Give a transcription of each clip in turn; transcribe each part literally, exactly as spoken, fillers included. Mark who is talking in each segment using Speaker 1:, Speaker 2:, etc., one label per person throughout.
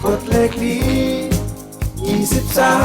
Speaker 1: กดเลขนี้ยี่สิบสาม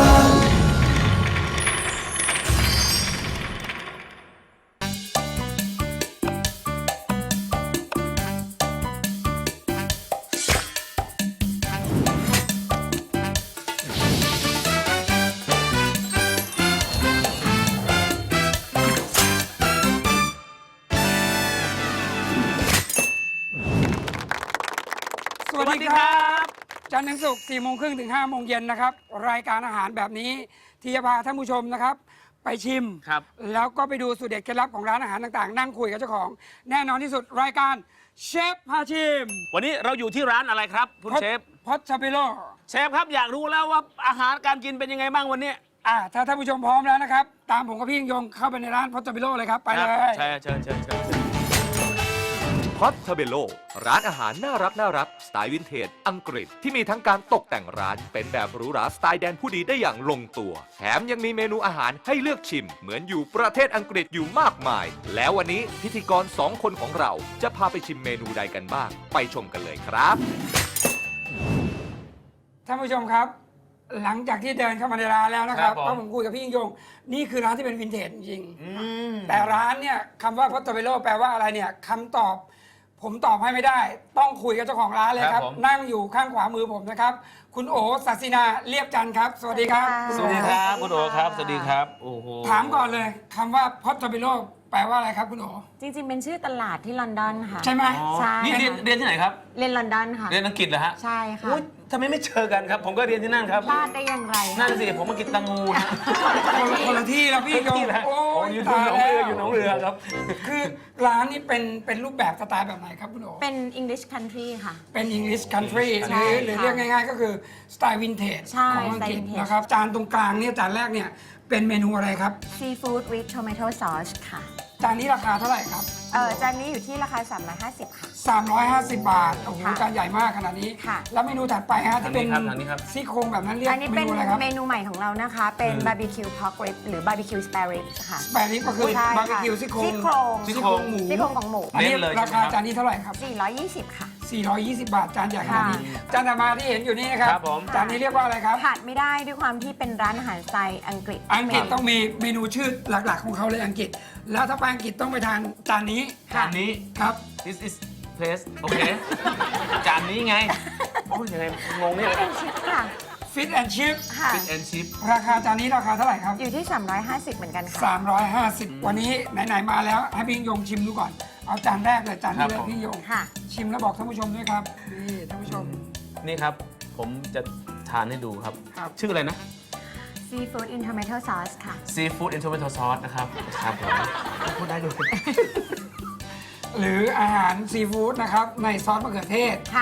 Speaker 2: สวัสดีครับจันทร์ถึงศุกร์สี่โมงครึ่งถึงห้าโมงเย็นนะครับรายการอาหารแบบนี้ที่จะพาท่านผู้ชมนะครับไปชิม
Speaker 3: ครับ
Speaker 2: แล้วก็ไปดูสูตรเด็ดเคล็ดลับของร้านอาหารต่างๆ นั่งคุยกับเจ้าของแน่นอนที่สุดรายการเชฟพาชิม
Speaker 3: วันนี้เราอยู่ที่ร้านอะไรครับคุณเชฟ
Speaker 2: พอดชาเปโล
Speaker 3: เชฟครับอยากรู้แล้วว่าอาหารการกินเป็นยังไงบ้างวันนี้
Speaker 2: อ่าถ้าท่านผู้ชมพร้อมแล้วนะครับตามผมกับพี่ยิ่งยงเข้าไปในร้านพอดชาเปโลเลยครับไปเลย
Speaker 3: ใช่เชิญเชิญเชิญ
Speaker 4: พอตเทเบโลร้านอาหารน่ารักน่ารักสไตล์วินเทจอังกฤษที่มีทั้งการตกแต่งร้านเป็นแบบหรูหราสไตล์แดนผู้ดีได้อย่างลงตัว แถมยังมีเมนูอาหารให้เลือกชิม เหมือนอยู่ประเทศอังกฤษอยู่มากมาย แล้ววันนี้พิธีกรสองคนของเราจะพาไปชิมเมนูใดกันบ้าง ไปชมกันเลยครับ
Speaker 2: ท่านผู้ชมครับ หลังจากที่เดินเข้ามาในร้านแล้วนะครับก็ผมคุยกับพี่ยิ่งยงนี่คือร้านที่เป็นวินเทจจริงๆแต่ร้านเนี่ยคำว่าพอดชาเปโลแปลว่าอะไรเนี่ยคำตอบผมตอบให้ไม่ได้ ต้องคุยกับเจ้าของร้านเลยครับนั่งอยู่ข้างขวามือผมนะครับคุณโอศักดิ์ศินาเรียบจันทร์ครับสวัสดีครับ
Speaker 3: สวัสดีครับคุณโอครับสวัสดีครับโอ้โห
Speaker 2: ถามก่อนเลยคำว่าพอดชาเปโลแปลว่าอะไรครับคุณโอ
Speaker 5: จริงๆ เป็นชื่อตลาดที่ลอนดอนค่ะ
Speaker 2: ใช่ไหม
Speaker 5: ใช่
Speaker 3: นี่เรียน
Speaker 5: ค่ะ
Speaker 3: เรียนที่ไหนครับ
Speaker 5: เรียนลอนดอนค่ะ
Speaker 3: เรียนอังกฤษเหรอฮะ
Speaker 5: ใช่ค่ะ
Speaker 3: อุ๊ยทำไมไม่เจอกันครับ ผมก็เรียนที่นั่นครับ
Speaker 5: พลาดได้อย่างไร
Speaker 3: นั่
Speaker 5: คะ
Speaker 3: นสิผมมากินตังงูนะ
Speaker 2: คนละคนละที่แล้วพี่ยิ่งยง
Speaker 3: ที่นะ
Speaker 2: โอ้
Speaker 3: โอ้
Speaker 2: ย
Speaker 3: อยู่หน
Speaker 2: ตา
Speaker 3: อย ง
Speaker 2: แล้
Speaker 3: เรือ
Speaker 2: ว
Speaker 3: อยู่หนองเรือครับ
Speaker 2: คือร้านนี้เป็นเป็นรูปแบบสไตล์แบบไหนครับคุณโอ
Speaker 5: เป็น English country ค่ะ
Speaker 2: เป็น English country ห
Speaker 5: ใช่
Speaker 2: รือหรือ
Speaker 5: ค่ะ
Speaker 2: เรียกง่ายๆ ก็คือสไตล์วินเทจ
Speaker 5: ใช่
Speaker 2: ของอังกฤษ
Speaker 5: สไตล์ vintage
Speaker 2: นะครับจานตรงกลางเนี่ยจานแรกเนี่ยเป็นเมนูอะไรครับ
Speaker 5: Seafood with tomato sauce ค่ะ
Speaker 2: จานนี้ราคาเท่าไหร่ครับ
Speaker 5: เออจานนี้อยู่ที่ราคา สามร้อยห้าสิบ ค่ะ
Speaker 2: สามร้อยห้าสิบบาท โอ้โห
Speaker 5: ค่ะ
Speaker 2: จานใหญ่มากขนาดนี้
Speaker 5: ค่ะ
Speaker 2: แล้วเมนูถัดไปฮะที่เป็น
Speaker 3: ทางนี้ครับทางนี้ครับ
Speaker 2: ซี่โครงแบบนั้นเรียก
Speaker 5: อันนี้
Speaker 2: เม
Speaker 5: เป็น
Speaker 2: นูอะไรครับ
Speaker 5: เมนูใหม่ของเรานะคะ เป็น
Speaker 3: อืม
Speaker 5: barbecue pork rib หรือ barbecue spare ribs ค่ะ
Speaker 2: แปรนี้ก็คือ
Speaker 5: ใช่
Speaker 2: บาร์บี
Speaker 5: ค่ะ
Speaker 2: คิวซี่โครง
Speaker 5: ซี่โครง
Speaker 3: ซี่โครง
Speaker 2: หมู
Speaker 5: ซี่โครงของหมู
Speaker 2: อันนี้
Speaker 3: เน้นเลย
Speaker 2: ราคา
Speaker 3: ใช่ไหมครับ
Speaker 2: จานนี้เท่าไหร่ครับ
Speaker 5: สี่ร้อยยี่สิบ ค่ะ
Speaker 2: สี่ร้อยยี่สิบบาทจานใหญ่ขนาดนี้
Speaker 5: ค่ะ
Speaker 2: จานต่อมาที่เห็นอยู่นี่นะครับ
Speaker 3: ครับผม
Speaker 2: จานนี้เรียกว่าอะไรครับ
Speaker 5: ขาดไม่ได้ด้วยความที่เป็นร้านอาหารสไตล์อังกฤษ
Speaker 2: อังกฤษต้องมีเมนูชื่อหลักๆของเขาเลยอังกฤษ แล้วถ้าไปอังกฤษต้องไปทานจานนี้
Speaker 3: จานนี้
Speaker 2: ครับ
Speaker 3: this is place โอเค จานนี้ไง โอ้ยยังไงงงเนี่ย
Speaker 5: เป็นชิปค่ะ
Speaker 2: ฟิตแอนชิพ
Speaker 5: ค่ะ
Speaker 3: fish and chip
Speaker 2: ราคาจานนี้ราคาเท่าไหร่ครับ
Speaker 5: อยู่ที่ สามร้อยห้าสิบ เหมือนกันค่ะ
Speaker 2: สามร้อยห้าสิบ วันนี้ไหนๆมาแล้วให้พี่ยิ่งยงชิมดูก่อน เอาจานแรกเลยจานนี้
Speaker 3: ค
Speaker 2: เล
Speaker 3: รับ
Speaker 2: ย
Speaker 3: ผม
Speaker 2: พี่ยิ่งยง
Speaker 5: ค่ะ
Speaker 2: ชิมแล้วบอกท่านผู้ชมด้วยครับ นี่ท่านผู้ชม
Speaker 3: นี่ครับ ผมจะทานให้ดูครับ
Speaker 2: ครับ
Speaker 3: ชื่ออะไรนะ
Speaker 5: Seafood in tomato sauce ค่ะ
Speaker 3: seafood and tomato sauce นะครับ ครับผมพูดได้ด้วย
Speaker 2: หรืออาหารซีฟู้ดนะครับในซอสมะเขือเทศ
Speaker 5: ค่ะ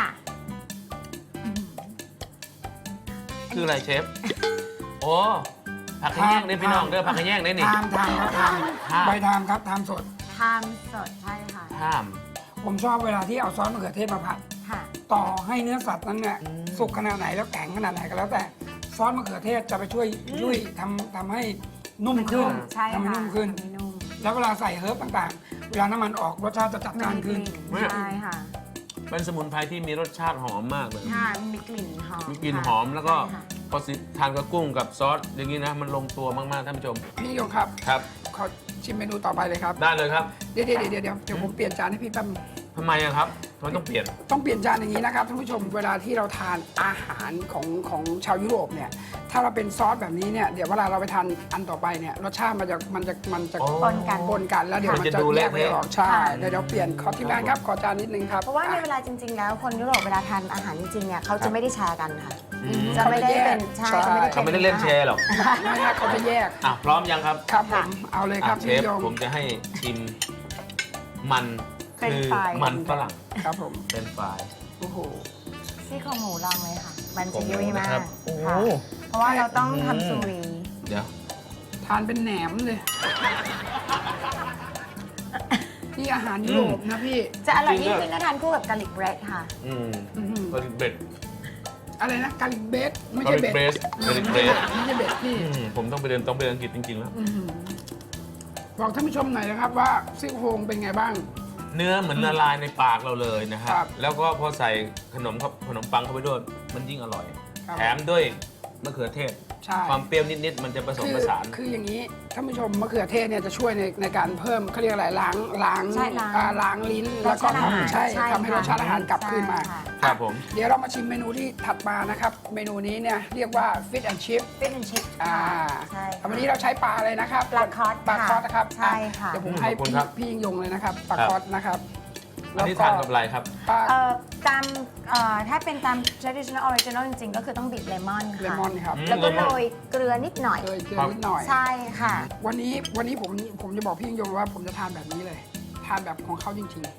Speaker 3: คืออะไรเชฟ โอ้ผักขะแยงเนี่ยพี่น้องเด้อผักขะแยงเนี่ยนี่
Speaker 2: ทามทามครับทาม
Speaker 3: ทาม
Speaker 2: ใบทามครับทามสด
Speaker 5: ทามสดใช่ค่ะ
Speaker 3: ห้าม
Speaker 2: ผมชอบเวลาที่เอาซอสมะเขือเทศมาผัด
Speaker 5: ค่ะ
Speaker 2: ต่อให้เนื้อสัตว์นั้นเนี่ย
Speaker 3: อืม
Speaker 2: สุกขนาดไหนแล้วแข็งขนาดไหนก็แล้วแต่ซอสมะเขือเทศจะไปช่วยยุ่ยทำทำให้นุ่มขึ้น
Speaker 5: ใช่
Speaker 2: ทำให้
Speaker 5: ค่ะ
Speaker 2: นุ่มขึ้น
Speaker 5: ทำให้นุ่ม
Speaker 2: แล้วเวลาใส่เฮิร์บต่างๆ เวลาน้ำมันออกรสชาติจะจัด
Speaker 5: มั
Speaker 2: จ้าน
Speaker 5: มีก
Speaker 2: ขึ้น
Speaker 5: ลิ่นใช่ค่ะ
Speaker 3: เป็นสมุนไพรที่มีรสชาติหอมมากเลย
Speaker 5: ค่ะมีกลิ่นหอม
Speaker 3: มีกลิ่น
Speaker 5: ค่ะ
Speaker 3: หอมแล้วก็
Speaker 5: ใช่ค่ะ
Speaker 3: พอสิทานกับกุ้งกับซอสอย่างนี้นะ มันลงตัวมาก ๆ ท่านผู้ชม
Speaker 2: พี่โยงครับ
Speaker 3: ครับ
Speaker 2: ขอชิมเมนูต่อไปเลยครับ
Speaker 3: ได้เลยครับ
Speaker 2: เดี๋ยวเดี๋ยวเดี๋ยวเดี๋ยวเดี๋ยวผมเปลี่ยนจานให้พี่แป๊บนึง
Speaker 3: ทำไมอะครับทำไมต้องเปลี่ยน
Speaker 2: ต้องเปลี่ยนจานอย่างนี้นะครับท่านผู้ชมเวลาที่เราทานอาหารของของชาวยุโรปเนี่ยถ้าเราเป็นซอสแบบนี้เนี่ยเดี๋ยวเวลาเราไปทานอันต่อไปเนี่ยรสชาติมันจะมันจะมันจะ
Speaker 3: อ๋อ
Speaker 5: ปนกัน
Speaker 2: ปนกันแล้วเดี๋ยว
Speaker 3: มั
Speaker 2: มัน น
Speaker 3: จะ
Speaker 2: จะ
Speaker 3: ดู
Speaker 2: แย
Speaker 3: เละ
Speaker 2: กไม่ออกใช่
Speaker 5: ค่ะ
Speaker 2: เดี๋ยวเดี๋ยวเปลี่ยนขอทีมงานครับขอจานนิดนึงครับ
Speaker 5: เพราะว่าใน
Speaker 2: อ่
Speaker 5: เวลาจริง ๆ แล้วคนยุโรปเวลาทานอาหารจริงๆเนี่ยเขา
Speaker 3: ครั
Speaker 5: จะ
Speaker 3: บ
Speaker 5: ไม่ได้แชร์กันค่ะ
Speaker 3: อืม
Speaker 5: จะไม่ได้เป็นใช่จะไม่ได้
Speaker 3: เขาไม่ได้เล่นแชร์หรอก
Speaker 2: ไม่ฮะเขาจะแยก
Speaker 3: อ่ะ พร้อมยังครับ
Speaker 2: ครับผมเอาเลยครับ
Speaker 3: อ่ะเช
Speaker 2: พี่
Speaker 3: ฟ
Speaker 2: โยง
Speaker 3: ผมจะให้ชิมมัน
Speaker 5: เป็น
Speaker 3: คือ
Speaker 5: ไฟราย
Speaker 3: มันฝรั่ง
Speaker 2: ครับผม
Speaker 3: เป็นไฟราย
Speaker 2: โอ้โห
Speaker 5: ซี่โครงหมูลองเลยค่ะ มัน
Speaker 3: ขอ
Speaker 5: จะ
Speaker 3: งหมู
Speaker 5: ยุ่ยมา
Speaker 3: นะครั
Speaker 5: ก
Speaker 3: บโอ้โห
Speaker 5: ค่ะเพราะว่าเราต้อง
Speaker 3: อืม
Speaker 5: ทำซูรี
Speaker 3: เดี๋ยว
Speaker 2: ทานเป็นแหนมเลยนี่อาหารยุโรปนะพี่
Speaker 5: จะอร่อยยิ่งขึ้นถ้าทานคู่กับกาลิกเบรดค่ะ
Speaker 3: อืม
Speaker 2: อื้อหือ
Speaker 3: ก็เบ็ด
Speaker 2: อะไรนะกาลิกเบสไม่ใช่เบส
Speaker 3: garlic bread garlic
Speaker 2: ไม่ใช่
Speaker 3: bread
Speaker 2: ไม่ใช่เบสพี่
Speaker 3: อืมผมต้องไปเรียนต้องไปเรียนอังกฤษจริง ๆ แล้ว
Speaker 2: อื้อหือบอกท่านผู้ชมหน่อยนะครับว่าซี่โครงเป็นไงบ้าง
Speaker 3: เนื้อเหมือนละลายในปากเราเลยนะฮะ
Speaker 2: ครับ
Speaker 3: แล้วก็พอใส่ขนมครับขนมปังเข้าไปด้วยมันยิ่งอร่อย
Speaker 2: ครับ
Speaker 3: แถมด้วยมะเขือเทศ
Speaker 2: ใช่
Speaker 3: ความเปรี้ยวนิดๆมันจะผสม
Speaker 2: คือ
Speaker 3: ผสาน
Speaker 2: คืออย่างนี้ท่านผู้ชมมะเขือเทศเนี่ยจะช่วยในในการเพิ่มเขาเรียกอะไรล้างล้าง
Speaker 5: ใช่ล้าง
Speaker 2: อ่าล้างลิ้นแล้วก็
Speaker 5: รสชาติอาหาร
Speaker 2: ทำใช่
Speaker 5: ใช่
Speaker 2: ทำให้รสชาติอาหารกลับคืนมา
Speaker 5: ใช่ค่ะ
Speaker 3: ครับผม
Speaker 2: เดี๋ยวเรามาชิมเมนูที่ถัดมานะครับ เมนูนี้เนี่ยเรียกว่า Fish and Chip
Speaker 5: ฟิชแอนชิพ
Speaker 2: อ่า
Speaker 5: ใช่ค่ะ
Speaker 2: วันนี้เราใช้ปลาอะไรนะครับ
Speaker 5: ปลาคอส
Speaker 2: ปลาคอสนะครับ
Speaker 5: ใช่ค่ะ
Speaker 2: อ่เดี๋ยวผมให้
Speaker 3: ขอบคุณ
Speaker 2: พี่
Speaker 3: ครับ
Speaker 2: พี่ยิ่งยงเลยนะครับปลา
Speaker 3: ครับ
Speaker 2: คอสนะครับ
Speaker 3: อันนี้ทานกับอะไรครับ
Speaker 2: ปลา
Speaker 5: เอ่อตามเอ่อถ้าเป็นตาม traditional original จริงๆ ก็คือต้องบีบเลมอนค่ะ
Speaker 2: เลมอนครับ
Speaker 3: อืม
Speaker 5: แล้วก็โรยเกลือนิดหน่อย
Speaker 2: เกลือเกลือนิดหน่อย
Speaker 5: ใช่ค่ะ
Speaker 2: วันนี้วันนี้ผมผมจะบอกพี่ยิ่งยงว่าผมจะทานแบบนี้เลย ทานแบบของเขาจริง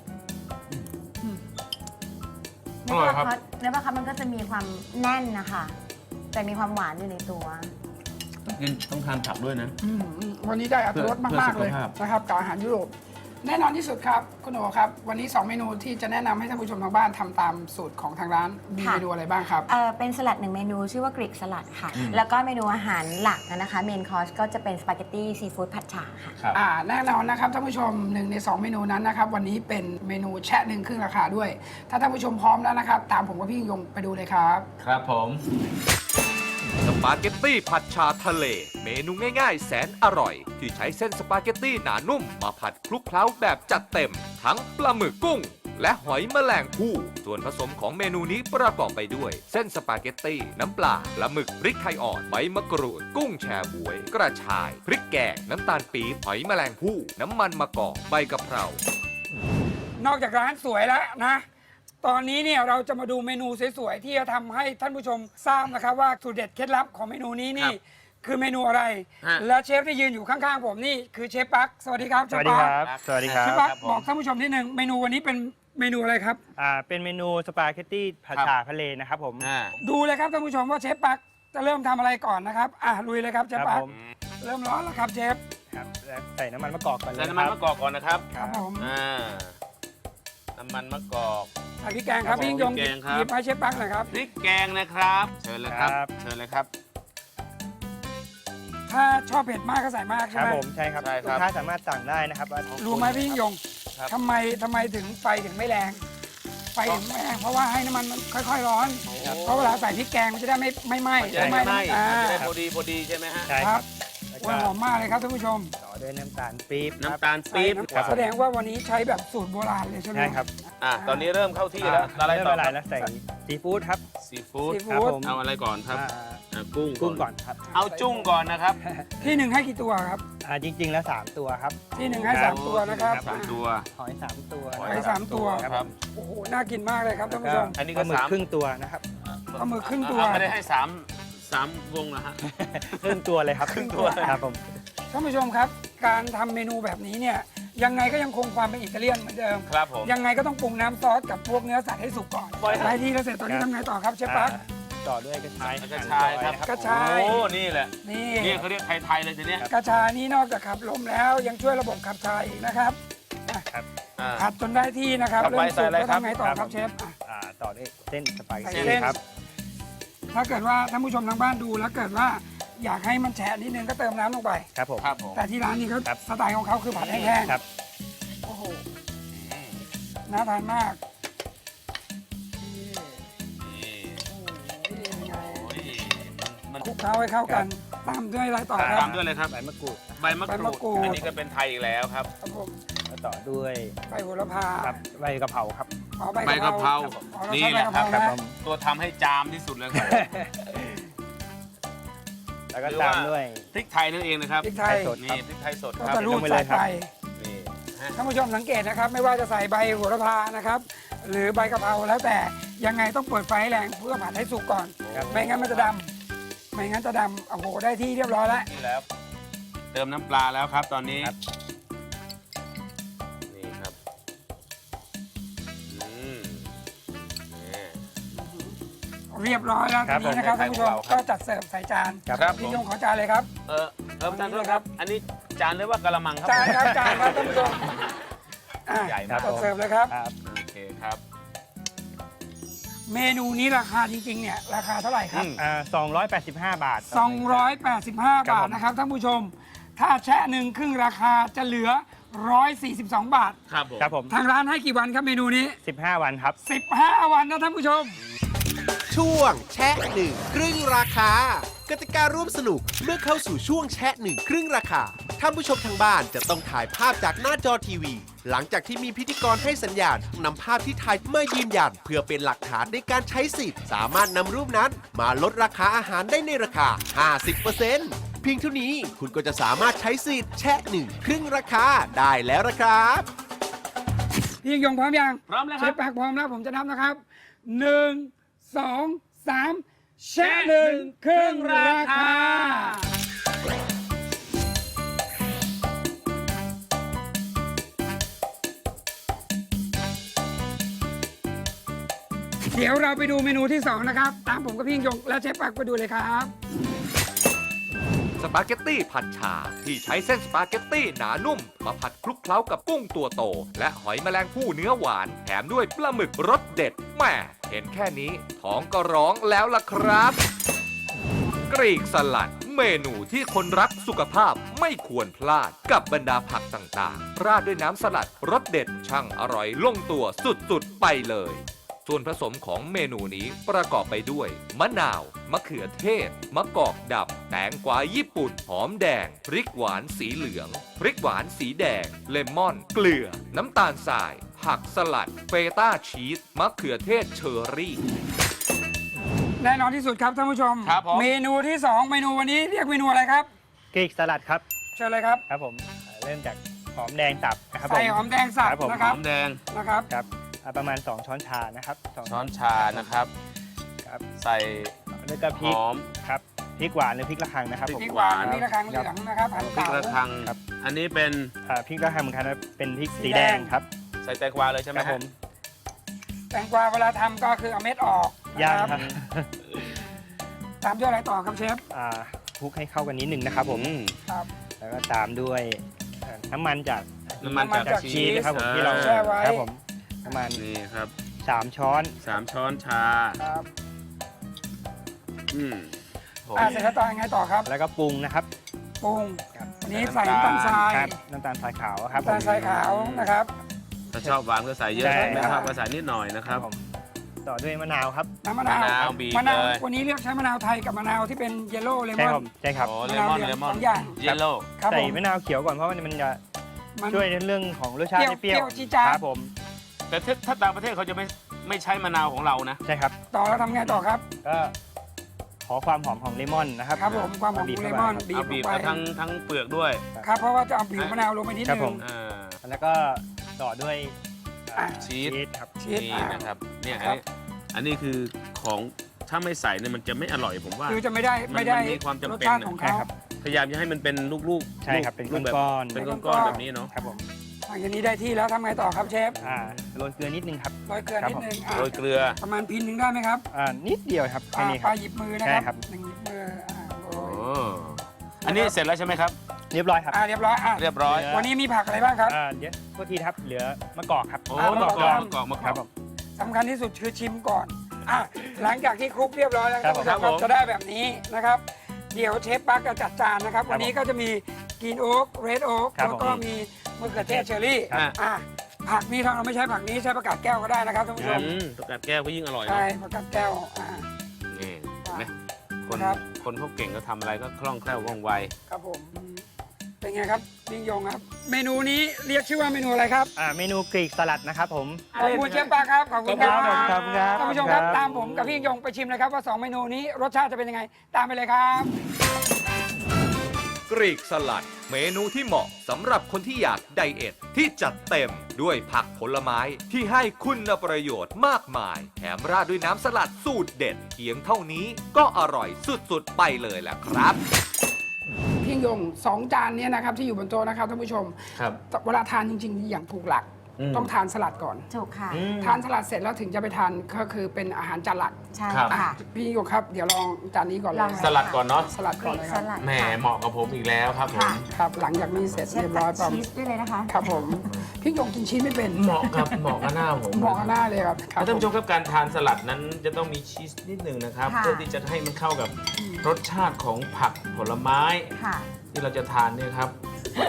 Speaker 5: เนื้อปลาคอสเนื้อปลาคอสมันก็จะมีความแน่นนะคะ แต่มีความหวานอยู่ในตัว
Speaker 3: กินต้องทานผักด้วยนะ
Speaker 2: ๆอืมอืมวันนี้ได้อรรถรส
Speaker 3: เพื่อ
Speaker 2: มากๆเลย
Speaker 3: เพื่อสุขภาพ
Speaker 2: นะครับกับอาหารยุโรปแน่นอนที่สุดครับคุณโอครับ วันนี้สองเมนูที่จะแนะนำให้ท่านผู้ชมทางบ้านทำตามสูตรของทางร้านมี
Speaker 5: ค่ะ
Speaker 2: เมนูอะไรบ้างครับ
Speaker 5: เอ่อเป็นสลัดหนึ่งเมนูชื่อว่ากรีกสลัดค่ะ แล้วก็เมนูอาหารหลักนะคะเมนคอร์สก็จะเป็นสปาเกตตี้ซีฟู้ดผัดฉ่าค่ะ
Speaker 3: ครับ
Speaker 2: อ่าแน่นอนนะครับท่านผู้ชมหนึ่งในสองเมนูนั้นนะครับวันนี้เป็นเมนูแชะหนึ่งครึ่งราคาด้วย ถ้าท่านผู้ชมพร้อมแล้วนะครับ ตามผมกับพี่ยิ่งยงไปดูเลยครับ
Speaker 3: ครับผม
Speaker 4: สปาเกตตี้ผัดชาทะเล เมนูง่ายๆ แสนอร่อย ที่ใช้เส้นสปาเกตตี้หนานุ่มมาผัดคลุกเคล้าแบบจัดเต็ม ทั้งปลาหมึกกุ้ง และหอยแมลงภู่ส่วนผสมของเมนูนี้ประกอบไปด้วย เส้นสปาเกตตี้น้ำปลาปลาหมึกพริกไทยอ่อนใบมะกรูด กุ้งแชบวย กระชาย พริกแกงน้ำตาลปี๊บหอยแมลงภู่น้ำมันมะกอกใบกะเพรา
Speaker 2: นอกจากร้านสวยแล้วนะ ตอนนี้เนี่ยเราจะมาดูเมนูสวยๆที่จะทำให้ท่านผู้ชมทราบนะครับว่าสูตรเด็ดเคล็ดลับของเมนูนี้นี่
Speaker 3: ครับ
Speaker 2: คือเมนูอะไร
Speaker 3: ฮะ
Speaker 2: และเชฟที่ยืนอยู่ข้างๆผมนี่คือเชฟปักสวัสดีครับ
Speaker 6: สวัสดีครับ สวัสดีครั
Speaker 2: เช
Speaker 6: บ
Speaker 2: ฟปัก
Speaker 3: ครับผม
Speaker 2: บอกท่านผู้ชมนิดนึงเมนูวันนี้เป็นเมนูอะไรครับ
Speaker 6: อ่า เป็นเมนูสปาเกตตี้ผัด
Speaker 3: ครับ
Speaker 6: ฉ่าทะเลนะครับผม
Speaker 3: อ่า
Speaker 2: ดูเลยครับท่านผู้ชมว่าเชฟปักจะเริ่มทำอะไรก่อนนะครับอ่ะลุยเลยครับเชฟ
Speaker 6: ครับ
Speaker 2: ปัก
Speaker 6: ผม
Speaker 2: เริ่มร้อนแล้วครับเชฟ
Speaker 6: ครับแล้วใส่น้ำมันมะกอกก่อนเลย
Speaker 3: ใส่
Speaker 6: นะ
Speaker 3: น้ำ
Speaker 6: ค
Speaker 3: มัน
Speaker 6: รับ
Speaker 3: มะกอกก่อนนะครับ
Speaker 2: ครับผม
Speaker 3: อ่า น้ำมันมะกอก
Speaker 2: ใส่พริกแกงครับ
Speaker 3: ครับผม
Speaker 2: พี่ยิ่งยง
Speaker 3: พริกแกงครับ
Speaker 2: หยิบให้เชฟปักหน่อยครับ
Speaker 3: พริกแกงนะครับ เชิญเลยครับ
Speaker 6: ครับ
Speaker 3: เชิญเลยครับ
Speaker 2: ถ้าชอบเผ็ดมากก็ใส่มาก
Speaker 6: ค
Speaker 2: ใช่
Speaker 6: รับ
Speaker 2: ไหม
Speaker 6: ผม ใช่ครับ
Speaker 3: ใช่ครับ
Speaker 6: ลูกค้าสามารถสั่งได้นะครับว่า
Speaker 2: รู้ไหมพี่ยิ่งยง
Speaker 3: ครับ
Speaker 2: ทำไมทำไมถึงไฟถึงไม่แรง ไฟถึงไม่แรงเพราะว่าให้น้ำมันมันค่อยๆร้อน เพราะเวลาใส่พริกแกงมันจะได้ไม่ไม่ไหม้
Speaker 3: มันจะได้ไม่ไหม้
Speaker 2: อ่า
Speaker 3: มันจะได้พอดีพอดีใช่ไหมฮะ
Speaker 6: ใช่
Speaker 2: ค
Speaker 6: ค
Speaker 2: รั
Speaker 6: รั
Speaker 2: บบ
Speaker 6: แล้ว
Speaker 2: ว่า
Speaker 6: ก็
Speaker 2: หอมมากเลยครับท่านผู้ชม
Speaker 6: ต่อด้วยน้ำตาลปี๊บครับ
Speaker 3: น้ำตาลปี๊บ
Speaker 2: ใส่น้ำ
Speaker 6: ครับ
Speaker 2: แสดงว่าวันนี้ใช้แบบสูตรโบราณเลยใช่ไหม
Speaker 6: ใช่ครับ
Speaker 3: อ่ะตอนนี้เริ่มเข้าที่แล้วอะไร
Speaker 6: เริ่ม
Speaker 3: ต่อ
Speaker 6: ละ
Speaker 3: ค
Speaker 6: ลา
Speaker 3: รั
Speaker 6: ย
Speaker 3: บ
Speaker 6: แล้วใส่ซีฟู้ดครับ
Speaker 3: ซีฟู้ด
Speaker 2: ซี
Speaker 6: ครับ
Speaker 2: ฟู้ด
Speaker 6: ผม
Speaker 3: เอาอะไรก่อนครับ
Speaker 6: อ่า
Speaker 3: อ่ะกุ้ง
Speaker 6: กุ้งก่อนครับ
Speaker 3: เอาจุ้งก่อนนะครับ
Speaker 2: ที่หนึ่งให้กี่ตัวครับ
Speaker 6: อ่า จริง ๆ แล้วสามตัวครับ
Speaker 2: ที่หนึ่งให้สามตัวนะครับ
Speaker 3: สามตัว
Speaker 6: หอยสามตัว
Speaker 3: ห
Speaker 2: หอยสามตัว
Speaker 3: ครับ
Speaker 2: โอ้โหน่ากินมากเลยครับท่านผู้ชม
Speaker 3: อันนี้
Speaker 6: ป
Speaker 3: ก็
Speaker 6: ลาหมึก
Speaker 3: สาม
Speaker 6: ครึ่งตัวนะครับ
Speaker 2: ปลาหมึกครึ่งตัว
Speaker 3: เอาไม่ได้ให้สามสามวงนะฮะ
Speaker 6: ครึ่งตัวเลยครับ
Speaker 3: ครึ่งตัว
Speaker 6: ครับผม
Speaker 2: ท่านผู้ชมครับ การทำเมนูแบบนี้เนี่ยยังไงก็ยังคงความเป็นอิตาเลียนเหมือนเดิม
Speaker 3: ครับผม
Speaker 2: ยังไงก็ต้องปรุงน้ำซอสกับพวกเนื้อสัตว์ให้สุกก่อน
Speaker 3: ปล่อย
Speaker 2: ได้ที่แล้วเสร็จตอนนี้ทำไงต่อครับเชฟปัก
Speaker 6: อ่าต่อด้วยกระชาย
Speaker 3: กระชายครับ
Speaker 2: กระชาย
Speaker 3: โอ้นี่แหละ
Speaker 2: นี่
Speaker 3: นี่เขาเรียกไทยๆเลยทีเนี้ย
Speaker 2: กระชายนี้นอกจากขับลมแล้วยังช่วยระบบขับถ่ายอีกนะครับ
Speaker 3: อ่า
Speaker 2: ผัดจนได้ที่นะครับ
Speaker 3: ต่อไป
Speaker 2: เริ่มสุก
Speaker 3: ใส่อะไร
Speaker 2: แล้ว
Speaker 3: ครับ
Speaker 2: ทำไงต่อครับเชฟอ่ะ
Speaker 6: อ่าต่อด้วยเส้นสปาเกต
Speaker 2: ใส่
Speaker 6: ตี้
Speaker 2: เส้น
Speaker 6: ครับ
Speaker 2: ถ้าเกิดว่าท่านผู้ชมทางบ้านดูแล้วเกิดว่าอยากให้มันแฉะนิดนึงก็เติมน้ำลงไป
Speaker 6: ครับผม
Speaker 3: ครับผม
Speaker 2: แต่ที่ร้านนี้เขา
Speaker 6: ครับ
Speaker 2: สไตล์ของเขาคือผัดแห้ง
Speaker 6: ครับ
Speaker 2: ๆโอ้โหน่าทานมากนี่
Speaker 3: นี่
Speaker 2: โอ้โหเป็นไง
Speaker 3: โอ้ยมัน
Speaker 2: คลุกเคล้าให้เข้ากันตามด้วยอะไรต่อค
Speaker 3: ตา
Speaker 2: รั
Speaker 3: ม
Speaker 2: บ
Speaker 3: ด้วยเลยครับ
Speaker 6: ใบมะกรูด
Speaker 3: ใบมะ
Speaker 2: ใบ
Speaker 3: ก
Speaker 2: มะกรู
Speaker 3: รู
Speaker 2: ด
Speaker 3: ด อันนี้ก็เป็นไทยอีกแล้วครับ
Speaker 2: ครับผม
Speaker 6: แล้วต่อด้วย
Speaker 2: ใบโหระพา
Speaker 6: ครับใบกะเพราครับ
Speaker 2: อ๋อ
Speaker 3: ใบกะเพรา
Speaker 2: อ๋อเรา
Speaker 3: นี่
Speaker 2: ใช้
Speaker 3: แห
Speaker 2: ใบ
Speaker 3: ละ
Speaker 2: กะเพรา
Speaker 3: ครับ
Speaker 2: นะ
Speaker 6: ผม
Speaker 3: ตัวทำให้จามที่สุดเลยครับ
Speaker 6: แล้วก็
Speaker 3: หรือ
Speaker 6: ตาม
Speaker 3: ว่า
Speaker 6: ด้วย
Speaker 3: พริกไทยนั่นเองนะครับ
Speaker 2: พริกไทย
Speaker 6: สด
Speaker 3: นี่พริกไทยสด
Speaker 2: ก็
Speaker 3: ครับ
Speaker 2: จะรูด
Speaker 6: ลงไป
Speaker 2: ใส่
Speaker 6: เลยครับ
Speaker 2: ไป
Speaker 3: นี่ฮะ
Speaker 2: ท่านผู้ชมสังเกตนะครับ ไม่ว่าจะใส่ใบโหระพานะครับ หรือใบกะเพราแล้วแต่ยังไงต้องเปิดไฟให้แรงเพื่อผัดให้สุกก่อน
Speaker 6: ครับ
Speaker 2: ไม่งั้นมันจะดำไม่งั้นจะดำโอ้โหได้ที่เรียบร้อยแล้ว
Speaker 3: นี่แล้ว เติมน้ำปลาแล้วครับ ตอนนี้
Speaker 6: ครับ
Speaker 3: นี่ครับอืมนี่
Speaker 2: เรียบร้อยแล้ว
Speaker 6: ครั
Speaker 2: ที
Speaker 6: บ
Speaker 2: นี้นะครับ
Speaker 3: ผม
Speaker 2: ท่านผู้ชม
Speaker 3: ครับ
Speaker 2: ก็จัดเสิร์ฟใส่จาน
Speaker 6: ครับ
Speaker 3: ครับ
Speaker 2: พี่
Speaker 3: ผม
Speaker 2: ยงขอจานเลยครับ
Speaker 3: เออเออประธานโทษครับ อันนี้จานหรือว่ากะละมังครับ
Speaker 2: จานครับจานครับท่านผู้ชมอ่ะ
Speaker 3: ใหญ่มาก
Speaker 2: จัดเสิร์ฟเลยครับ
Speaker 6: ครับ
Speaker 3: โอเคครับ
Speaker 2: เมนูนี้ราคาจริงๆเนี่ยราคาเท่าไหร่ครับ
Speaker 3: อืม
Speaker 6: อ่าสองร้อยแปดสิบห้าบาท
Speaker 2: สองร้อยแปดสิบห้า
Speaker 6: ครับ
Speaker 2: บาท
Speaker 6: ผม
Speaker 2: นะครับท่านผู้ชม ถ้าแชะหนึ่งครึ่งราคาจะเหลือหนึ่งร้อยสี่สิบสองบาท
Speaker 3: ครับผม
Speaker 6: ครับผม
Speaker 2: ทางร้านให้กี่วันครับเมนูนี้
Speaker 6: สิบห้าวันครับ
Speaker 2: สิบห้าวันนะท่านผู้ชม
Speaker 7: ช่วงแชะหนึ่งครึ่งราคากติการร่วมสนุกเมื่อเข้าสู่ช่วงแชะหนึ่งครึ่งราคาท่านผู้ชมทางบ้านจะต้องถ่ายภาพจากหน้าจอทีวี หลังจากที่มีพิธีกรให้สัญญาณนำภาพที่ถ่ายมายืนยันเพื่อเป็นหลักฐานในการใช้สิทธิ์สามารถนำรูปนั้นมาลดราคาอาหารได้ในราคา ห้าสิบเปอร์เซ็นต์ เพียงเท่านี้คุณก็จะสามารถใช้สิทธิ์แชะหนึ่งครึ่งราคาได้แล้วนะครับ
Speaker 2: พี่ยิ่งยงพร้อมยัง
Speaker 3: พร้อมแล้วค
Speaker 2: เช
Speaker 3: รับ
Speaker 2: ฟปากพร้อมแล้วผมจะนับนะครับหนึ่งสองสามแชะหนึ่งครึ่งราคา เดี๋ยวเราไปดูเมนูที่สองนะครับ ตามผมกับพี่ยิ่งยงและเชฟปากไปดูเลยครับ
Speaker 4: สปาเกตตี้ผัดฉ่าที่ใช้เส้นสปาเกตตี้หนานุ่ม มาผัดคลุกเคล้ากับกุ้งตัวโต และหอยแมลงภู่เนื้อหวาน แถมด้วยปลาหมึกรสเด็ดแหม่เห็นแค่นี้ท้องก็ร้องแล้วล่ะครับ กรีกสลัด เมนูที่คนรักสุขภาพไม่ควรพลาดกับบรรดาผักต่างๆ ราดด้วยน้ำสลัดรสเด็ดช่างอร่อยลงตัวสุดๆไปเลย ส่วนผสมของเมนูนี้ประกอบไปด้วย มะนาว มะเขือเทศ มะกอกดำ แตงกวาญี่ปุ่น หอมแดง พริกหวานสีเหลือง พริกหวานสีแดง เลมอน เกลือ น้ำตาลทราย ผักสลัด เฟต้าชีส มะเขือเทศเชอร์รี่
Speaker 2: แน่นอนที่สุดครับท่านผู้ชม
Speaker 3: ครับผม
Speaker 2: เมนูที่สองเมนูวันนี้เรียกเมนูอะไรครับ
Speaker 6: กรีกสลัดครับ
Speaker 2: เชิญเลยครับ
Speaker 6: ครับผมอ่าเริ่มจากหอมแดงสับนะครับผ
Speaker 2: ใส่
Speaker 6: ม
Speaker 2: หอมแดงสับ
Speaker 6: ครับผม
Speaker 2: นะค
Speaker 3: ห
Speaker 2: รั
Speaker 3: อบ มแดง
Speaker 2: นะครับ
Speaker 6: ครับอ่าประมาณ สอง ช้อนชานะครับสง
Speaker 3: ช้อนชานะครับ
Speaker 6: ครับ
Speaker 3: ใส่
Speaker 6: แล้วก็พ
Speaker 3: ห
Speaker 6: ริก
Speaker 3: อม
Speaker 6: ครับพริกหวานหรือพริกระคังนะครับผม
Speaker 2: พริกหวานพริกระคังเหลืองนะครับหั่น
Speaker 3: พริก
Speaker 2: เต๋า
Speaker 3: ระคัง
Speaker 6: ครับ
Speaker 3: อันนี้เป็น
Speaker 6: อ่าพริกระคังเหมือนกันนะเป็นพริก
Speaker 2: สี
Speaker 6: สี
Speaker 2: แด
Speaker 6: แด
Speaker 2: ง
Speaker 6: งครับ
Speaker 3: ใส่แตงกวาเลยใช่ไหม
Speaker 6: ครับ
Speaker 3: ฮะ
Speaker 6: ผม
Speaker 2: แตงกวาเวลาทำก็คือเอาเม็ดออก
Speaker 6: ย่าง
Speaker 2: นะครับ ตามด้วยอะไรต่อครับเชฟ
Speaker 6: อ่าคลุกให้เข้ากันนิดหนึ่งนะครับผม
Speaker 3: อืม
Speaker 2: ครับ
Speaker 6: แล้วก็ตามด้วยเอ่อน้ำมันจาก
Speaker 3: น้ำมันจาก
Speaker 2: น้ำมันจาก
Speaker 3: ชี
Speaker 6: ชีส
Speaker 3: ส
Speaker 6: นะครับผม
Speaker 3: อ่า
Speaker 6: ที่เรา
Speaker 2: แช่ไว้
Speaker 6: ครับผมประมาณ
Speaker 3: นี่ครับ
Speaker 6: สามช้อน
Speaker 3: สามช้อนชา
Speaker 2: ครับ
Speaker 3: อืมผม
Speaker 2: อ่าเสร็จแล้วต่อยังไงต่อครับ
Speaker 6: แล้วก็ปรุงนะครับ
Speaker 2: ปรุง
Speaker 6: ครับ
Speaker 2: วันนี้ใส่น้ำตาลทราย
Speaker 6: ครับน้ำตาลทรายขาวครับ
Speaker 2: น้ำตาลทรายขาวนะครับ
Speaker 3: ถ้าชอบหวานก็ใส่เยอะ
Speaker 6: ใช่
Speaker 3: ไม่ชอบก็ใส่นิดหน่อยนะค
Speaker 6: ค
Speaker 3: รั
Speaker 6: รับ บผมต่อด้วยมะนาวครับ
Speaker 2: น้ำมะนาว
Speaker 3: มะนาวบีบ
Speaker 2: มะนาว
Speaker 3: เลย
Speaker 2: วันนี้เรียกใช้มะนาวไทยกับมะนาวที่เป็นเยลโล่เล
Speaker 6: ใช่
Speaker 2: ม
Speaker 6: ค
Speaker 2: อ
Speaker 6: รับ
Speaker 2: น
Speaker 6: ใช่ครับ
Speaker 3: โอ้เลมอน
Speaker 2: มะนาวเหลื
Speaker 3: เล
Speaker 2: อง
Speaker 3: มอน
Speaker 2: สองอย่าง
Speaker 3: เยลโล่
Speaker 2: ครับ
Speaker 6: ใส่
Speaker 2: ผม
Speaker 6: มะนาวเขียวก่อนเพราะว่ามันจะ
Speaker 2: มัน
Speaker 6: ช่วยในเรื่องของรสชาติให้เปรี้ยว
Speaker 2: เปรี้ยวจี๊ดจ๊าด
Speaker 6: ครับผม
Speaker 3: แต่ถ้าถ้าต่างประเทศเขาจะไม่ไม่ใช้มะนาวของเรานะ
Speaker 6: ใช่ครับ
Speaker 2: ต่อแล้วทำไงต่อครับ
Speaker 6: ก็ขอความหอมของเลมอนนะครับ
Speaker 2: ครับผมความหอม
Speaker 6: บี
Speaker 2: ของ
Speaker 6: บ
Speaker 2: เล
Speaker 6: เข้าม
Speaker 2: อน
Speaker 6: ไป
Speaker 2: บี
Speaker 3: เอา
Speaker 2: บล
Speaker 3: บี
Speaker 2: ง
Speaker 3: บ
Speaker 2: ไป
Speaker 3: เอาทั้งทั้งเปลือกด้วย
Speaker 2: ครับเพราะว่าจะเอาผิวมะนาวลงไปนิด
Speaker 6: ครับ
Speaker 2: นึ
Speaker 6: ผ
Speaker 2: ง
Speaker 6: ม
Speaker 3: อ่า
Speaker 6: แล้วก็ต่อด้วยอ่า
Speaker 3: ชีส
Speaker 6: ครับ
Speaker 2: ชีส
Speaker 3: นี่
Speaker 2: อ่า
Speaker 3: นะครับเนี่ย
Speaker 2: ค
Speaker 3: อั
Speaker 2: รั
Speaker 3: น
Speaker 2: บ
Speaker 3: นี้อันนี้คือของถ้าไม่ใส่เนี่ยมันจะไม่อร่อยผมว่า
Speaker 2: คือจะไม่ได้
Speaker 3: มัน
Speaker 2: ไม่ได้
Speaker 3: มันมีความจำ
Speaker 2: รส
Speaker 3: เป็น
Speaker 2: ชาติ
Speaker 3: นะ
Speaker 2: ของ
Speaker 6: ใช่
Speaker 2: เขา
Speaker 6: ครับ
Speaker 3: พยายามจะให้มันเป็นลูกๆ
Speaker 6: ใช่ครับเป็น
Speaker 3: รูปแบบ
Speaker 6: ก้อนๆ
Speaker 3: เป็น
Speaker 2: ก้
Speaker 3: ก้
Speaker 2: อ
Speaker 3: อน
Speaker 2: ๆ
Speaker 3: ๆแบบนี้เนาะ
Speaker 6: ครับผม
Speaker 2: หลังจากนี้ได้ที่แล้วทำไงต่อครับเชฟ
Speaker 6: อ่าโรยเกลือนิดนึงครับ
Speaker 2: โรยเกลือนิดนึงอ่ะ
Speaker 3: โรยเกลือ
Speaker 2: ประมาณพินหนึ่งได้ไหมครับ
Speaker 6: อ่านิดเดียวครับแค่
Speaker 2: อ่า
Speaker 6: นี้ค
Speaker 2: ป
Speaker 6: รั
Speaker 2: ลา
Speaker 6: บ
Speaker 2: หยิบมือนะ
Speaker 6: ใช่
Speaker 2: ค
Speaker 6: ครั
Speaker 2: รับบ หนึ่งหยิบมืออ่าโร
Speaker 3: โอ้
Speaker 2: ย
Speaker 3: อันนี้เสร็จแล้วใช่ไหมครับ
Speaker 6: เรียบร้อยครับ
Speaker 2: อ่าเรียบร้อยอ่ะ
Speaker 3: เรียบร้อย
Speaker 2: วันนี้มีผักอะไรบ้างครับ
Speaker 6: อ่าเดี๋ยวโทษทีครับเหลือมะกอกครับ
Speaker 3: โอ้
Speaker 2: อ่าม
Speaker 3: มะกอก
Speaker 2: มะกอก
Speaker 3: มะกอกมะก
Speaker 6: ครั
Speaker 3: อบ ก
Speaker 6: ผม
Speaker 2: สำคัญที่สุดคือชิมก่อนอ่ะหลังจากที่คลุกเรียบร้อยแล้ว
Speaker 6: ครับ
Speaker 2: ท่านผู้ชม
Speaker 3: ผม
Speaker 2: จะได้แบบนี้นะครับ เดี๋ยวเชฟปักจะจัดจานนะครับ
Speaker 6: ครับ
Speaker 2: วันนี้ก็จะมีกรีนโอ๊กเรดโอ๊ก
Speaker 6: ครับ
Speaker 2: แล้วก็
Speaker 6: ผม
Speaker 2: มีมะเขือเทศเชอร์รี่
Speaker 3: ครับ
Speaker 2: อ่ะผักนี้ถ้าเราไม่ใช้ผักนี้ใช้ผักกาดแก้วก็ได้นะครับท่านผู้ชม
Speaker 3: อืมตกกาดแก้วก็ยิ่งอร่อย
Speaker 2: ใช่
Speaker 3: เนาะ
Speaker 2: ผักกาดแก้วอ่า
Speaker 3: นี่เห็นไหมคน
Speaker 2: ครับ
Speaker 3: คนเขาเก่งก็ทำอะไรก็คล่องแคล่วว่องไว
Speaker 2: ครับผมอืมเป็นไงครับยิ่งยงครับ เมนูนี้เรียกชื่อว่าเมนูอะไรครับ
Speaker 6: อ่าเมนูกรีกสลัดนะครับผม
Speaker 2: ขอบคุณเชฟปาครับขอบคุณครับ
Speaker 6: ขอบคุณครับ
Speaker 2: ท่านผู้ชมครับ
Speaker 6: ขอบคุณครับ
Speaker 2: ตามผมกับพี่ยิ่งยงไปชิมเลยครับว่าสองเมนูนี้รสชาติจะเป็นยังไง ตามไปเลยครับ
Speaker 4: กรีกสลัด เมนูที่เหมาะสำหรับคนที่อยากไดเอทที่จัดเต็มด้วยผักผลไม้ที่ให้คุณประโยชน์มากมาย แถมราดด้วยน้ำสลัดสูตรเด็ดเพียงเท่านี้ก็อร่อยสุดๆไปเลยแหละครับ
Speaker 2: พี่ยิ่งยงสองจานเนี้นะครับที่อยู่บนโต๊ะนะครับท่านผู้ชม
Speaker 3: ครับ
Speaker 2: เวลาทานจริงๆ อย่างถูกหลัก
Speaker 3: อืม
Speaker 2: ต้องทานสลัดก่อน
Speaker 5: ถูกค่ะ
Speaker 2: ทานสลัดเสร็จแล้วถึงจะไปทานก็คือเป็นอาหารจานหลัก
Speaker 5: ใช่
Speaker 3: ครับ
Speaker 5: ค่ะ
Speaker 2: พี่ยิ่งยงครับเดี๋ยวลองจานนี้ก่อนเลย
Speaker 5: ลอง
Speaker 3: สลัดก่อนเนาะ
Speaker 2: สลัด
Speaker 5: ก
Speaker 2: ก่อ
Speaker 5: รี
Speaker 2: น
Speaker 5: ก
Speaker 2: เลยค
Speaker 5: ส
Speaker 2: รับ
Speaker 5: ลัด
Speaker 3: แหม
Speaker 5: ค่ะ
Speaker 3: เหมาะกับผมอีกแล้วครับผม
Speaker 5: ค่ะ
Speaker 2: ครับหลังจากนี้เสร็จ
Speaker 5: เชฟ
Speaker 2: เรียบ
Speaker 5: ตั
Speaker 2: ร้อย
Speaker 5: ด
Speaker 2: ปั๊ม
Speaker 5: ชีสด้วยเลยนะคะ
Speaker 2: ครับผมพี่ยงกินชีสไม่เป็น
Speaker 3: เหมาะครับเหมาะกับหน้าผม
Speaker 2: เหมาะกับหน้าเลยครับครับ
Speaker 3: ท่านผู้ชมครับการทานสลัดนั้นจะต้องมีชีสนิดหนึ่งนะครับ
Speaker 5: ค่ะ
Speaker 3: เพื่อที่จะให้มันเข้ากับรสชาติของผักผลไม้
Speaker 5: ค่ะ
Speaker 3: ที่เราจะทานเนี่ยครับ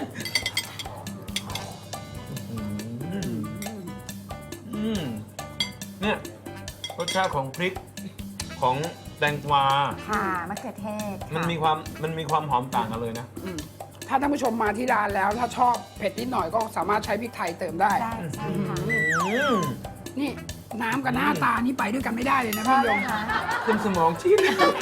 Speaker 3: อืมอืมเนี่ยรสชาติของพริกของแตงกวา
Speaker 5: ค่ะมะเขือเทศค่ะ
Speaker 3: มันมีความมันมีความหอมต่างกันเลยนะ
Speaker 2: อืมถ้าท่านผู้ชมมาที่ร้านแล้ว ถ้าชอบเผ็ดนิดหน่อยก็สามารถใช้พริกไทยเติมได้
Speaker 5: ได้ใช่ค่ะ
Speaker 3: อืม
Speaker 2: นี่น้ำกับหน้าตานี่ไปด้วยกันไม่ได้เลยนะพี่ยง
Speaker 3: ขึ้นสมองชิ้น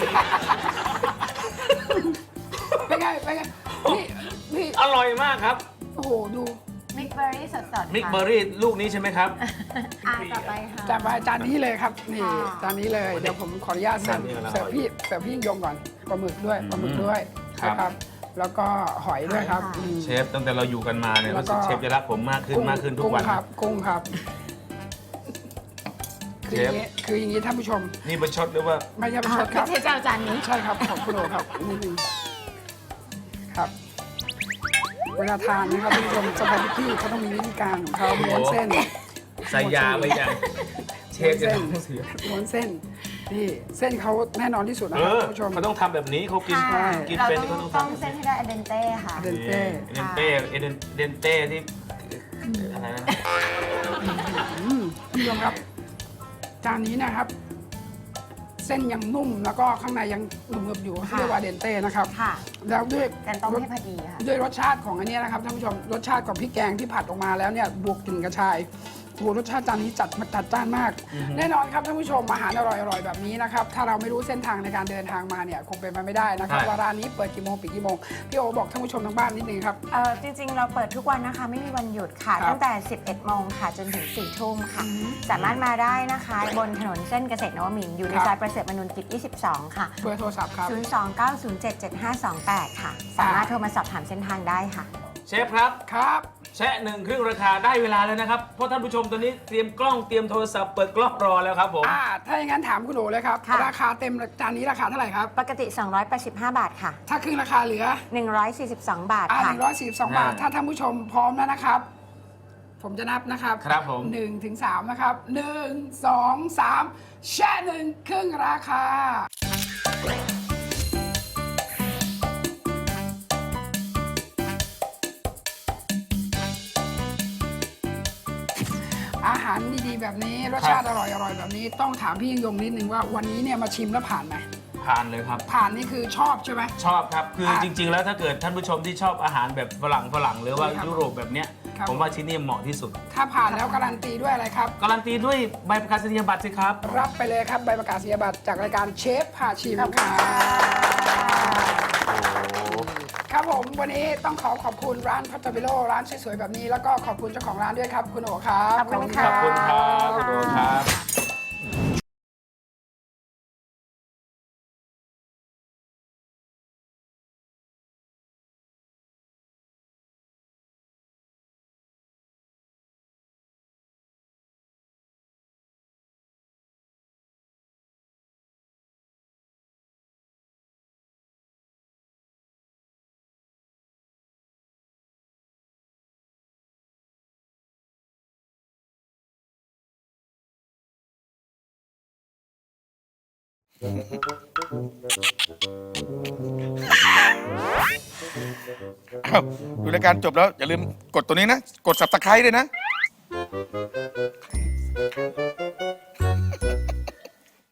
Speaker 2: เป็นไงเป็นไงนี่นี่
Speaker 3: อร่อยมากครับ
Speaker 2: โอ้โหดู
Speaker 5: มิกเบอร์รี่สดๆ
Speaker 3: มิกเบอร์รี่ลูกนี้ใช่ไหมครับ
Speaker 5: อ่าต่อไปค่ะ
Speaker 2: จานไปจานนี้เลยครับนี่
Speaker 5: ค่ะ
Speaker 2: จานนี้เลยเดี๋ยวผมขออนุญาตเสิร์ฟ
Speaker 3: จานนี้กำลัง
Speaker 2: เสิร์ฟพี่เสิร์ฟพี่ยิ่งยงก่อนปลาหมึกด้วยปลาหมึกด้วย
Speaker 3: ครับ
Speaker 2: นะครับ แล้วก็หอยด้วยครับ
Speaker 5: ค่ะ
Speaker 2: อืม
Speaker 3: เชฟตั้งแต่เราอยู่กันมาเนี่ย
Speaker 2: แล้ว
Speaker 3: รู้
Speaker 2: ก็
Speaker 3: สึกเชฟจะรักผมมากขึ้นมากขึ้นทุก
Speaker 2: กุ้ง
Speaker 3: วัน
Speaker 2: ครับกุ้งครับคืออย่าง
Speaker 3: เช
Speaker 2: นี้
Speaker 3: ฟ
Speaker 2: คืออย่างนี้ท่านผู้ชม
Speaker 3: นี่ประชดหรือว่า
Speaker 2: ไม่ใช่ประ
Speaker 5: อ่า
Speaker 2: ชดครับ
Speaker 5: ไม่ใช่เจ้าจานนี้
Speaker 2: ใช่ครับของคุณโอครับนิดนึงครับ เวลาทานนะครับท่านผู้ชมสปาเกตตี้เขาต้องมีวิธีการของเขาม้วนเส้น
Speaker 3: ใส่ยาไว้ยังเชฟจะต้องเสีย
Speaker 2: ม้วนเส้นนี่เส้นเขาแน่นอนที่สุดนะ
Speaker 3: เอ
Speaker 2: ครับ
Speaker 3: อ
Speaker 2: ท่านผู้ชม
Speaker 3: เขาต้องทำแบบนี้เขากิน
Speaker 5: ค่ะ
Speaker 3: กิน
Speaker 5: เรา
Speaker 3: เป็น
Speaker 5: ต้
Speaker 3: เขา
Speaker 5: อง
Speaker 3: ต้อง
Speaker 5: ต้อง
Speaker 3: ทำ
Speaker 5: เส้นให้ได้เอเดนเต้ค่ะ
Speaker 2: เดนเต้
Speaker 3: เอเดนเต้เอเดนเดนเต้ที่อะไรนะ
Speaker 2: อืมท่านผู้ชมครับ จานนี้นะครับ เส้นยังนุ่มแล้วก็ข้างในยังหนึบๆอยู่
Speaker 5: ค่ะ
Speaker 2: เรียกว่าเดนเต้นะครับ
Speaker 5: ค่ะ
Speaker 2: แล้วด้วย
Speaker 5: การต้มให้พอดีค่ะ
Speaker 2: ด้วยรสชาติของอันเนี้ยนะครับท่านผู้ชมรสชาติของพริกแกงที่ผัดออกมาแล้วเนี่ยบวกกลิ่นกระชายโอ้โหรสชาติจานนี้จัดมาจัดจ้านมาก แน่นอนครับท่านผู้ชมอาหารอร่อยๆแบบนี้นะครับถ้าเราไม่รู้เส้นทางในการเดินทางมาเนี่ยคงเป็นไปไม่ได้นะครับ
Speaker 3: ใช่
Speaker 2: ว่าร้านนี้เปิดกี่โมงปิดกี่โมงพี่โอบอกท่านผู้ชมทางบ้านนิดนึงครับ
Speaker 5: เอ่อจริงๆ เราเปิดทุกวันนะคะ ไม่มีวันหยุดค่ะ
Speaker 2: ครับ
Speaker 5: ตั้งแต่ สิบเอ็ดโมงค่ะ จนถึง สี่ทุ่มค่ะ
Speaker 2: อืม
Speaker 5: สามารถมาได้นะคะ บนถนนเส้นเกษตรนวมินทร์อยู่ใน
Speaker 2: ครับ
Speaker 5: ซอยประเสริฐมนุนกิจ ยี่สิบสอง ค่ะ
Speaker 2: เบอร์โทรศัพท์ครับ
Speaker 5: ศูนย์ สอง เก้า ศูนย์ เจ็ด เจ็ด ห้า สอง แปด ค่ะ สามารถโทรมาสอบถามเส้นทางได้ค่ะ
Speaker 3: เชฟครับ
Speaker 2: ครับ
Speaker 3: แชะหนึ่งครึ่งราคาได้เวลาแล้วนะครับ เพราะท่านผู้ชมตอนนี้เตรียมกล้องเตรียมโทรศัพท์เปิดกล้องรอแล้วครับผม
Speaker 2: อ่าถ้าอย่างนั้นถามคุณโอเลยครับ
Speaker 5: ค่ะ
Speaker 2: ราคาเต็มจานนี้ราคาเท่าไหร่ครับ
Speaker 5: ปกติ สองร้อยแปดสิบห้า บาทค่ะ
Speaker 2: ถ้าครึ่งราคาเหลือ
Speaker 5: หนึ่งร้อยสี่สิบสอง บาท
Speaker 2: อ่าห
Speaker 5: ค่ะ
Speaker 2: นึ่งร้อยสี่สิบสองบาท
Speaker 3: อ่า
Speaker 2: ถ้าท่านผู้ชมพร้อมแล้วนะครับ ผมจะนับนะครับ
Speaker 3: ครับผม
Speaker 2: หนึ่งถึงสามนะครับหนึ่งสองสามแช่หนึ่งครึ่งราคา อาหารดีๆ แบบนี้รสชาติอร่อยๆแบบนี้ต้องถามพี่ยิ่งยงนิดนึงว่าวันนี้เนี่ยมาชิมแล้วผ่านไหม
Speaker 3: ผ่านเลยครับ
Speaker 2: ผ่านนี่คือชอบใช่ไหม
Speaker 3: ชอบครับ คือ
Speaker 2: อ่ะ
Speaker 3: จริง ๆ แล้วถ้าเกิดท่านผู้ชมที่ชอบอาหารแบบฝรั่งฝรั่งหรือว่า
Speaker 2: ครับ
Speaker 3: ยุโรปแบบเนี้ย
Speaker 2: ครับ
Speaker 3: ผมว่าที่นี่เหมาะที่สุด
Speaker 2: ถ้าผ่านแล้วการันตีด้วยอะไรครับ
Speaker 3: การันตีด้วยใบประกาศนียบัตรสิครับ
Speaker 2: รับไปเลยครับใบประกาศนียบัตรจากรายการเชฟพาชิมครับครับผมวันนี้ต้องขอขอบคุณร้านพัตเตอร์บิโลร้านสวยๆแบบนี้แล้วก็ขอบคุณเจ้าของร้านด้วยครับ คุณโอครับ
Speaker 5: ขอบคุณค่ะ
Speaker 3: ขอบคุณครับคุณโอครับ
Speaker 8: อ้าวดูรายการจบแล้ว อย่าลืมกดตัวนี้นะ กด ซับสไครบ์ ด้วยนะ